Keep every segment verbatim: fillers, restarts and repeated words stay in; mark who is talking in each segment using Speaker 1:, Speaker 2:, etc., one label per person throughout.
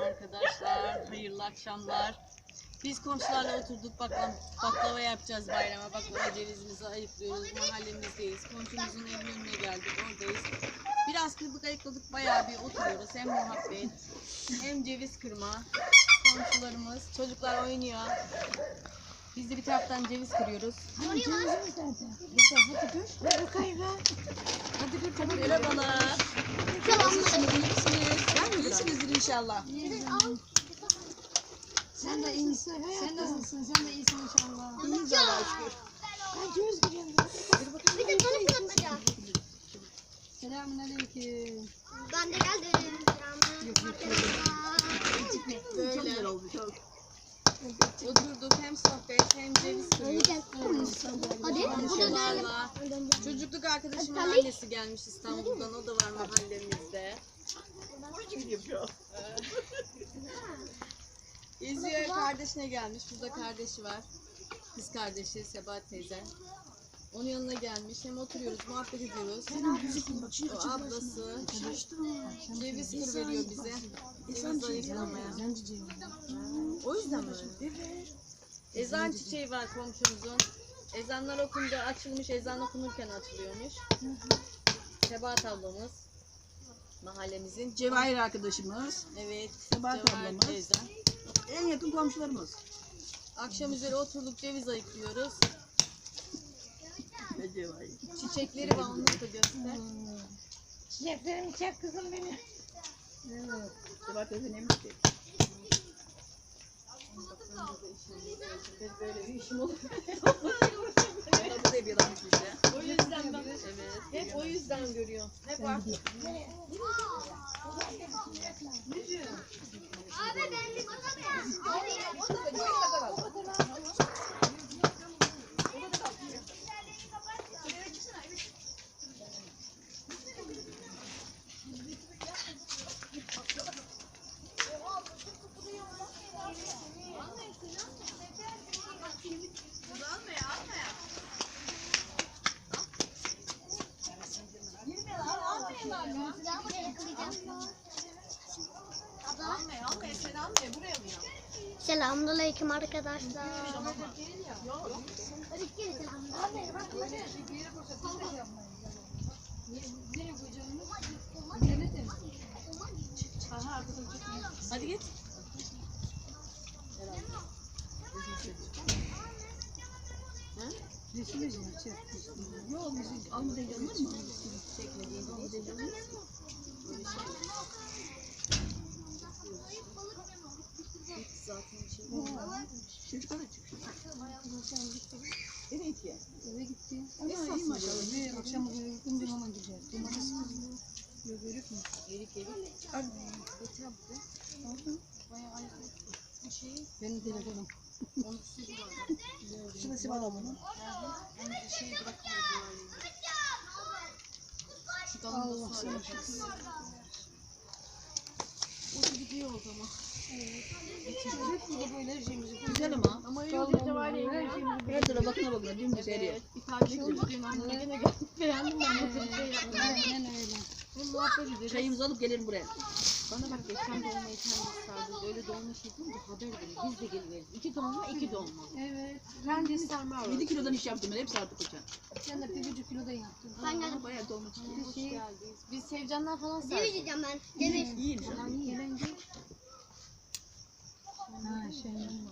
Speaker 1: arkadaşlar. Hayırlı akşamlar. Biz komşularla oturduk. Baklava, baklava yapacağız bayrama. Baklava cevizimizi ayıklıyoruz. Mahallemizdeyiz. Komşumuzun evinin önüne geldik. Oradayız. Biraz kırdık ayıkladık. Bayağı bir oturuyoruz. Hem muhabbet hem ceviz kırma. Komşularımız. Çocuklar oynuyor. Biz de bir taraftan ceviz kırıyoruz.
Speaker 2: Hani cevizimiz nerede? Güzel, hadi dur. Ver bakayım ver. Hadi dur, tamam.
Speaker 1: Merhabalar.
Speaker 2: Nasılsınız, iyi misiniz? Ben iyisinizdir inşallah. Sen de iyisin. Sen nasılsın? Sen de iyisin inşallah. İyiyiz Allah'a şükür. Ben göz giriyorum.
Speaker 3: Bir de tanı fırlatacağım.
Speaker 2: Selamünaleyküm.
Speaker 3: Ben de geldim.
Speaker 1: Böyle. Çok güzel oldu çok. Oturduk hem sohbet hem ceviz kırıyoruz.
Speaker 3: Hadi.
Speaker 1: Komşularla. Çocukluk arkadaşımın annesi gelmiş İstanbul'dan. O da var mahallemizde. Geziyor, kardeşine gelmiş. Burada kardeşi var. Kız kardeşi Sebahat teyze. Onun yanına gelmiş. Hem oturuyoruz, muhabbet ediyoruz. O ablası ceviz kır veriyor bize. Ceviz ayıklamaya. O yüzden mi? Ezan çiçeği var komşumuzun. Ezanlar okunca açılmış, ezan okunurken açılıyormuş. Sebahat ablamız. Mahallemizin.
Speaker 2: Cevahir arkadaşımız.
Speaker 1: Evet.
Speaker 2: Sebahat
Speaker 1: Cevahir
Speaker 2: ablamız.
Speaker 1: teyze.
Speaker 2: En yakın komşularımız.
Speaker 1: Akşam üzeri oturduk ceviz ayıklıyoruz.
Speaker 2: Ve Cevahir.
Speaker 1: Çiçekleri var, onları da göster.
Speaker 2: Çiçeklerimi çek kızım beni. Evet. Sebahat teyze ne çiçek?
Speaker 1: Böyle bir işim olur.
Speaker 2: Bu da yapıyorlarmış işte.
Speaker 1: O yüzden ben evet, hep o yüzden görüyorum. Hep artık.
Speaker 3: Abi ben bir bakacağım. Selamünaleyküm arkadaşlar.
Speaker 1: Hadi git.
Speaker 2: Resmi mi? Çek. Yok, müzik almadan yanılır mı?
Speaker 1: Çekmediğin almadan yanılır mı? Böyle şey. Hiç zaten bir şey yok.
Speaker 2: Çocuklar da çıkıyor. Evet ya. Eve gitti. Ama iyi maşallah. Bir akşam eve gittim dün hemen gidiyor. Cumartesi yok görük mü?
Speaker 1: Erik erik.
Speaker 2: Anne.
Speaker 1: Getir abi de.
Speaker 2: Aldım.
Speaker 1: Bayağı ayaklı. Bir şey.
Speaker 2: Benim telefonum.
Speaker 1: Onun sütü var.
Speaker 2: Şurada Sibel ablanın.
Speaker 1: Onu bir şey bırakmıyor. Şu dalında
Speaker 2: Allah
Speaker 1: su
Speaker 2: seni
Speaker 1: arayacağız. O da gidiyor o zaman.
Speaker 2: Hep burada böyle her şeyimizi.
Speaker 1: Güzel ama. Ama öyle de var ya.
Speaker 2: Her tarafa bakına bakına dümdüz eriyor.
Speaker 1: Evet. Bir tane oldu dün anne gene geldik. Beğendim ben bu şey yapmayı.
Speaker 2: Aynen öyle.
Speaker 1: Bu muhabbet ederiz.
Speaker 2: Çayımızı alıp gelelim buraya.
Speaker 1: Bana bak geçen dolmayı kendi sardı. Öyle dolma şey değil mi? Haber verin. Biz de geliriz. İki dolma, iki dolma.
Speaker 2: Evet.
Speaker 1: Kendi sarma var.
Speaker 2: yedi kilodan iş yaptım ben. Hepsi artık uçan. Sen de bir buçuk kilodan yaptın.
Speaker 3: Ben geldim.
Speaker 2: Bayağı dolma çıktı.
Speaker 1: Hoş geldiniz. Biz Sevcanlar falan sardık.
Speaker 3: Ceviz yiyeceğim ben. Ceviz.
Speaker 2: İyi inşallah.
Speaker 1: Ha şey.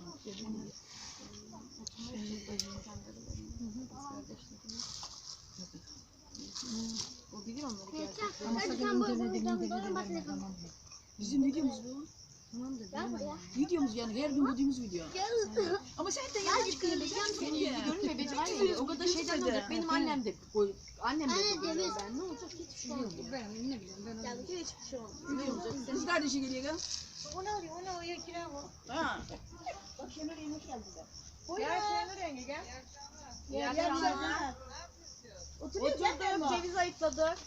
Speaker 1: O bilir onları gerçekten.
Speaker 2: Ama
Speaker 3: Hadi
Speaker 2: sakın
Speaker 3: sen bu
Speaker 2: internet
Speaker 3: bunu
Speaker 2: demini
Speaker 3: sen
Speaker 2: de
Speaker 3: bunu bak
Speaker 2: verme,
Speaker 3: telefonu.
Speaker 2: tamam mı? Bizim videomuz bu.
Speaker 1: Tamam da
Speaker 3: Gel buraya.
Speaker 2: Videomuz yani her gün bulduğumuz video.
Speaker 3: Gel.
Speaker 2: Ama sen de yanlış çıkarabileceksin.
Speaker 1: Senin yüzü görünmüyor. Benim aynen o kadar şeyden ne olacak? Benim annem de koy. Annem de
Speaker 3: Anne,
Speaker 1: koyuyor.
Speaker 3: ceviz.
Speaker 1: Ben ne olacak? Hiçbir şey olmuyor.
Speaker 2: Ben ne bileyim ben onu.
Speaker 1: Hiçbir şey olmuyor. Ne olacak?
Speaker 2: Kız kardeşi geliyor gel.
Speaker 3: Onu alıyor, onu alıyor, kira bu.
Speaker 2: Ha. Bak Şenur yemek geldiler.
Speaker 1: Gel Şenur yenge gel.
Speaker 2: Gel
Speaker 1: Gel
Speaker 2: gel.
Speaker 1: gel.
Speaker 2: Oturuyor gel
Speaker 1: Oturduk,
Speaker 2: ama.
Speaker 1: ceviz ayıkladık.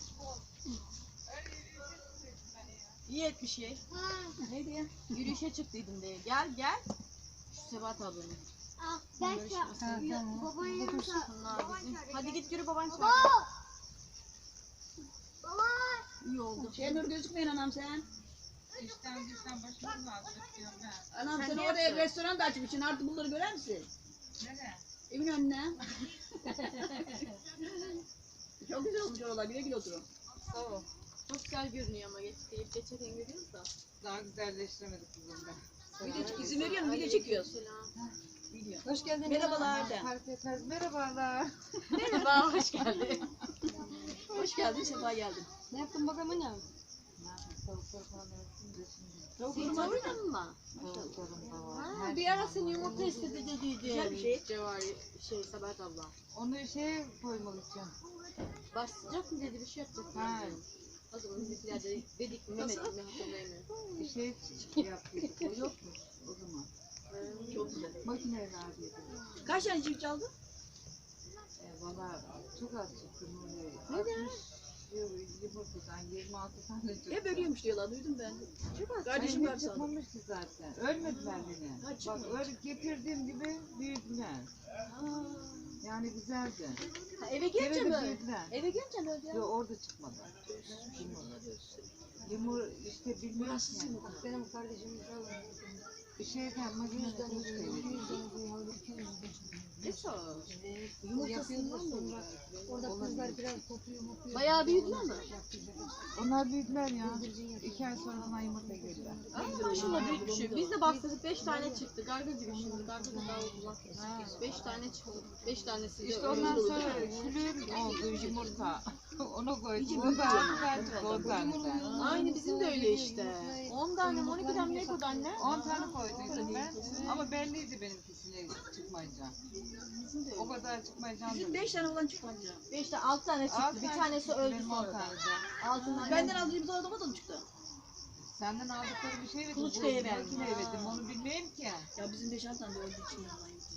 Speaker 1: İyi etmiş ye.
Speaker 3: Ha.
Speaker 2: Neydi ya?
Speaker 1: Yürüyüşe çıktıydım diye. Gel gel. Şu Sebat ablanın.
Speaker 3: Ah, ben
Speaker 1: Görüşürüz.
Speaker 3: şu babanın yanında.
Speaker 1: Bunlar bizim. Hadi git yürü baban çağır.
Speaker 3: Baba. Baba.
Speaker 1: İyi oldu.
Speaker 2: Şenur gözükmeyin anam sen. Anam
Speaker 1: Sen
Speaker 2: sen
Speaker 1: ne
Speaker 2: oraya
Speaker 1: yaptın?
Speaker 2: restoran da açmışsın. Artık bunları görer misin?
Speaker 4: Nereye?
Speaker 2: Evin önüne. Çok güzel olmuş oralar. Güle güle oturun.
Speaker 4: Sağ ol.
Speaker 1: Çok güzel görünüyor ama geç, gelip geçerken görüyoruz da.
Speaker 4: Daha güzelleştiremedik kızım ben.
Speaker 2: Video izin veriyor musun? Video çekiyoruz.
Speaker 1: Selam.
Speaker 2: Video.
Speaker 4: Hoş geldin.
Speaker 2: Merhabalar de.
Speaker 4: Fark etmez. Merhabalar.
Speaker 1: Merhaba, hoş geldin.
Speaker 2: Hoş geldin, sefa geldin.
Speaker 3: Ne yaptın bakalım anne?
Speaker 4: Tavuklar falan örtün de şimdi.
Speaker 1: Senin tavuğun mı?
Speaker 4: Tavuklarım da var.
Speaker 1: Ha,
Speaker 4: Her
Speaker 1: bir
Speaker 4: şey
Speaker 1: ara
Speaker 4: var.
Speaker 1: seni yumurta istedi dediydi.
Speaker 2: Güzel bir şey.
Speaker 1: Cevari, şey, Sabahat abla.
Speaker 4: Onu şeye koymak için.
Speaker 1: Başlayacak mı dedi, bir şey yapacak mı?
Speaker 4: Ha.
Speaker 1: O zaman bizimkiler de dedik mi, Mehmet mi, hatırlayamıyorum.
Speaker 4: Bir şey yaptık. O yokmuş o zaman.
Speaker 2: Çok güzel.
Speaker 4: Makineyle harcadık.
Speaker 2: Kaç tane çift çaldın?
Speaker 4: E, valla çok az çıktı Nuriye.
Speaker 1: Neden?
Speaker 4: Yumurtadan yirmi altı tane çıktı.
Speaker 2: Hep ölüyormuş diyorlar, duydum ben.
Speaker 1: Çok az.
Speaker 2: Kardeşim
Speaker 4: Benim
Speaker 2: var
Speaker 4: hiç
Speaker 2: sandım.
Speaker 4: çıkmamış ki zaten. Ölmediler beni.
Speaker 2: Ha,
Speaker 4: Bak
Speaker 2: çıkmamış.
Speaker 4: öyle getirdiğim gibi büyüdüler. Yani güzeldi.
Speaker 1: Ha, eve gelince
Speaker 4: Eve de
Speaker 1: mi?
Speaker 4: büyüdüler.
Speaker 1: Eve gelince mi öldü ya?
Speaker 4: Yok orada çıkmadı. Yumur işte bilmiyorum ki.
Speaker 3: Benim kardeşim
Speaker 4: Bir şeyden makinede kılıç
Speaker 1: Esas.
Speaker 3: yumurtasından mı? Orada kızlar biraz kopuyor mutuyor.
Speaker 1: Bayağı büyüdüler mi?
Speaker 4: Onlar büyüdüler ya. İki ay sonra bana yumurta girdiler.
Speaker 1: Ay maşallah büyük bir şey. Biz de baktık beş tane çıktı. Garga gibi şimdi. Garga da daha uzun. Beş tane çıktı. Beş tanesi de
Speaker 4: İşte
Speaker 1: öyle
Speaker 4: ondan
Speaker 1: oldu.
Speaker 4: sonra külür oldu yumurta. Onu koydum.
Speaker 2: İyice
Speaker 4: O
Speaker 2: büyüdü
Speaker 4: da
Speaker 2: yani.
Speaker 4: artık on tane.
Speaker 1: Aynı bizim de öyle işte. On tane mi on iki tane ne kadar anne?
Speaker 4: On tane koyduydum ben. Ama belliydi benimkisine çıkmayacağım. O kadar çıkmayacağım.
Speaker 2: Bizim beş tane olan çıkmadı.
Speaker 1: Beş tane altı tane çıktı.
Speaker 4: Altı
Speaker 1: Bir
Speaker 4: tane
Speaker 1: tanesi
Speaker 4: çıktı,
Speaker 1: öldü
Speaker 4: benim on
Speaker 1: sonra.
Speaker 4: tane de.
Speaker 1: Altı tane.
Speaker 2: Benden aldığım bir adama da mı çıktı?
Speaker 4: Senden aldıkları bir şey verdim.
Speaker 2: Kuluçkaya
Speaker 4: bu
Speaker 2: verdim.
Speaker 4: makineye verdim. Onu bilmeyeyim ki.
Speaker 2: Ya bizim beş altı tane de öldü için yalan yok.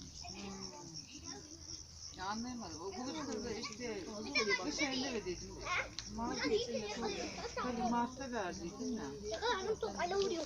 Speaker 4: Ya anlayamadım. O kuluçkada işte
Speaker 2: Fazla oluyor bak.
Speaker 4: bir şey ne verdiydim. Mart'ta tabii Mart'ta verdiydim ya.
Speaker 3: Karnım tok ala vuruyor.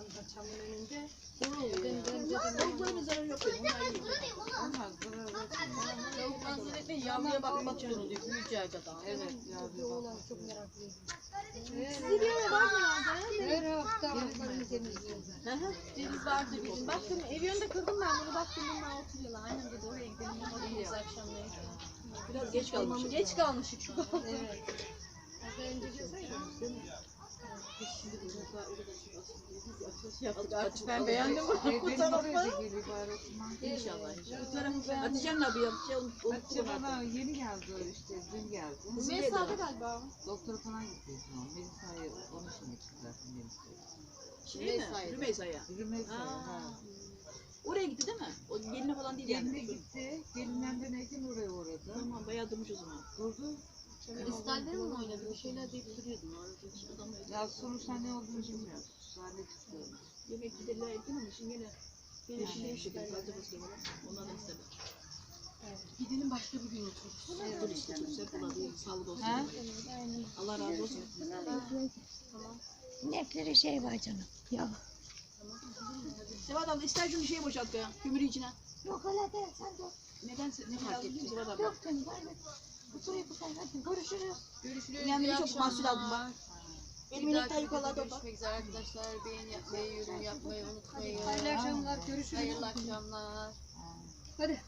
Speaker 2: Tavukların zararı yok benim. Onlar iyi.
Speaker 4: Onlar zarar etmiyor.
Speaker 1: Tavuktan sonra etmeyin. Yavruya bakmak zorundayız. Büyüyeceği kadar.
Speaker 4: Evet yavru bak.
Speaker 3: Çok meraklıyım.
Speaker 1: Sizi bir yere var mı herhalde?
Speaker 3: Her hafta ayaklarını temizliyorum.
Speaker 1: Hı hı. Ceviz vardı bizim. Baktım ev yönünde kırdım ben bunu. Baktım bunlar oturuyorlar. Aynen dedi oraya gidelim. Orada gidiyoruz akşamları.
Speaker 2: Biraz geç kalmışım.
Speaker 1: Geç kalmışık şu an.
Speaker 3: Evet. Az önce görseydim.
Speaker 1: Değil mi? Şimdi bu sefer o kadar çok açıldı. Yaptık artık. Ben beğendim bu
Speaker 4: Benim oraya
Speaker 1: tarafı.
Speaker 4: da geliyor bari Osman.
Speaker 2: İnşallah inşallah. Bu tarafı Hatice'nin abi yapacağım.
Speaker 4: Hatice bana yeni geldi o işte dün geldi.
Speaker 1: Mesa'da galiba.
Speaker 4: Doktora falan gitti o zaman. Melisa'yı onun için gitti zaten Melisa'yı.
Speaker 2: Şey mi?
Speaker 1: Rümeysa'ydı.
Speaker 2: Rümeysa'ya.
Speaker 4: Rümeysa
Speaker 1: Aa.
Speaker 4: ha.
Speaker 2: Oraya gitti değil mi? O geline falan değil
Speaker 4: Geline
Speaker 2: yani.
Speaker 4: gitti. Gelinden dönerken oraya uğradı.
Speaker 2: Tamam bayağı durmuş o zaman.
Speaker 4: Durdu.
Speaker 1: Kristalleri mi oynadı? Bir şeyler deyip duruyordum. Orada hiç adam öyle.
Speaker 4: Ya sonuçta ne olduğunu bilmiyorum. Sahne çıktı.
Speaker 2: Yemek giderler ettin ama şimdi yine yine şimdi bir şey fazla fazla var. Ondan da istedim.
Speaker 1: Gidelim başka bir gün otururuz.
Speaker 2: Dur işte. Güzel bulalım. Sağlık olsun.
Speaker 4: Ha?
Speaker 2: Allah razı olsun.
Speaker 1: Tamam.
Speaker 3: İnekleri şey var canım. Ya.
Speaker 2: Sevat abla ister şunu şeye boşalt ya. Kömürü içine.
Speaker 3: Yok öyle değil sen dur.
Speaker 2: Neden ne fark etti Sevat abla?
Speaker 3: Yok canım verme. Oturayım bu sen hadi görüşürüz.
Speaker 1: Görüşürüz.
Speaker 2: Kendine
Speaker 1: iyi
Speaker 2: çok mahsul aldım
Speaker 1: akşamlar.
Speaker 2: bak. Benim
Speaker 1: Bir
Speaker 2: inekler
Speaker 1: dahaki
Speaker 2: yukarıda
Speaker 1: videoda
Speaker 2: bak.
Speaker 1: görüşmek üzere arkadaşlar. Beğeni yapmayı, yorum yapmayı unutmayın.
Speaker 3: Hayırlı akşamlar görüşürüz.
Speaker 1: Hayırlı akşamlar.
Speaker 3: Hadi.